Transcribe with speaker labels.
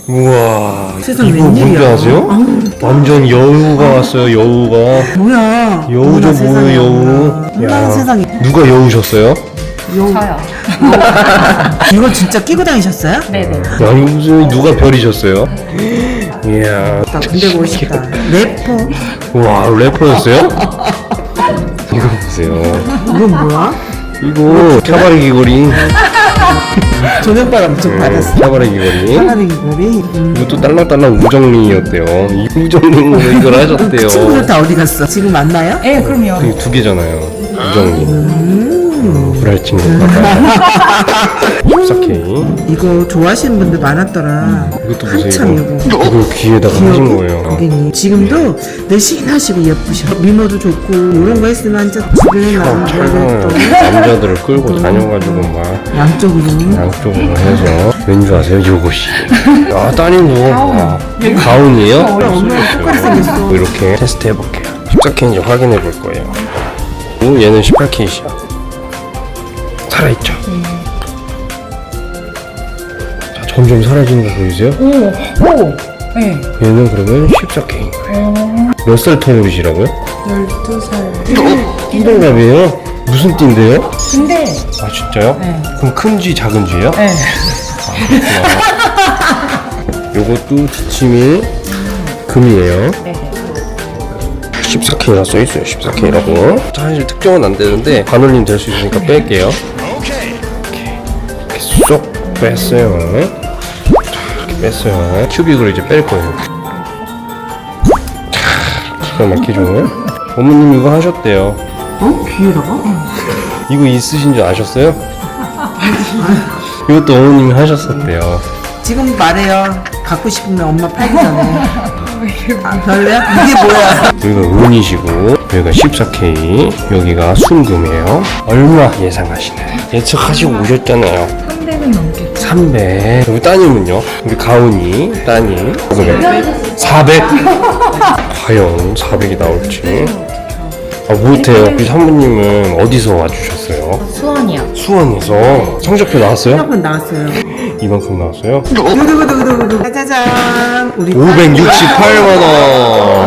Speaker 1: 우와.
Speaker 2: 세상
Speaker 1: 이거 뭔지
Speaker 2: 웬일이야.
Speaker 1: 아세요? 완전 여우가 왔어요. 여우가.
Speaker 2: 뭐야?
Speaker 1: 여우죠, 뭐예요, 여우.
Speaker 2: 어머나 세상에.
Speaker 1: 누가 여우셨어요?
Speaker 2: 여우.
Speaker 3: 저요.
Speaker 2: 이걸 진짜 끼고 다니셨어요?
Speaker 3: 네네.
Speaker 1: 야, 이거 무슨 누가 별이셨어요? 이야.
Speaker 2: 나 군대 가고 싶다. 래퍼?
Speaker 1: 와, 래퍼였어요? 이거 보세요.
Speaker 2: 이건 뭐야?
Speaker 1: 이거 차바리 귀걸이.
Speaker 2: 조명바람 좀 받았어.
Speaker 1: 차바리 귀걸이.
Speaker 2: 사람의 귀걸이.
Speaker 1: 이것도 딸랑딸랑 우정링이었대요. 이 우정링으로 이걸 하셨대요.
Speaker 2: 친구들 다 어디 갔어? 지금 만나요?
Speaker 3: 네, 그럼요.
Speaker 1: 이게 두 개잖아요. 우정링. 불알 친구. 14K.
Speaker 2: 이거 좋아하시는 분들 많았더라.
Speaker 1: 이것도 보세요.
Speaker 2: 한참 이거.
Speaker 1: 이걸 귀에다가 하신 거예요.
Speaker 2: 고객님 지금도 내시긴 예쁘셔. 미모도 좋고 이런 거 했으면 진짜 주변에 나는
Speaker 1: 촬영을
Speaker 2: 또
Speaker 1: 남자들을 끌고 다녀가지고 막
Speaker 2: 양쪽으로.
Speaker 1: 양쪽으로 해서 왠줄 아세요? 요것이. 야, 따님도 와, 가운이에요?
Speaker 2: 엄마랑 똑같이 생겼어.
Speaker 1: 이렇게 테스트 해볼게요. 14K인지 확인해 볼 거예요. 오, 얘는 18K이야. 살아있죠? 자, 점점 사라지는 거 보이세요?
Speaker 3: 오! 네.
Speaker 1: 얘는 그러면 14K인 거예요. 몇 살 터울이시라고요?
Speaker 3: 12살.
Speaker 1: 띠동갑이에요? 무슨 띠인데요?
Speaker 3: 근데,
Speaker 1: 아, 진짜요?
Speaker 3: 네.
Speaker 1: 그럼 큰 쥐, 작은 쥐예요?
Speaker 3: 네.
Speaker 1: 요것도 지침이 금이에요.
Speaker 3: 네.
Speaker 1: 14K라 써있어요. 14K라고. 사실 특정은 안 되는데 반올림 될 수 있으니까 뺄게요. 이렇게 쏙 뺐어요. 자, 이렇게 뺐어요. 큐빅을 이제 뺄 거예요. 자, 기가 막히죠? 어머님 이거 하셨대요.
Speaker 2: 어? 귀에다가?
Speaker 1: 이거 있으신 줄 아셨어요? 이것도 어머님이 하셨었대요.
Speaker 2: 지금 말해요. 갖고 싶으면 엄마 팔기 전에. 아, 별로야? 이게 뭐야?
Speaker 1: 여기가 은이시고 여기가 14K 여기가 순금이에요. 얼마 예상하시나요? 예측하시고 오셨잖아요.
Speaker 3: 300은 넘게.
Speaker 1: 300. 여기 따님은요? 우리 가은이 따님 400. 과연 400이 나올지. 아, 못해요. 우리 사모님은 어디서 와주셨어요?
Speaker 3: 수원이요.
Speaker 1: 수원에서. 성적표 나왔어요?
Speaker 2: 한번 나왔어요.
Speaker 1: 이만큼 나왔어요?
Speaker 2: 두두두두두두. 짜자잔. 우리
Speaker 1: 568만원.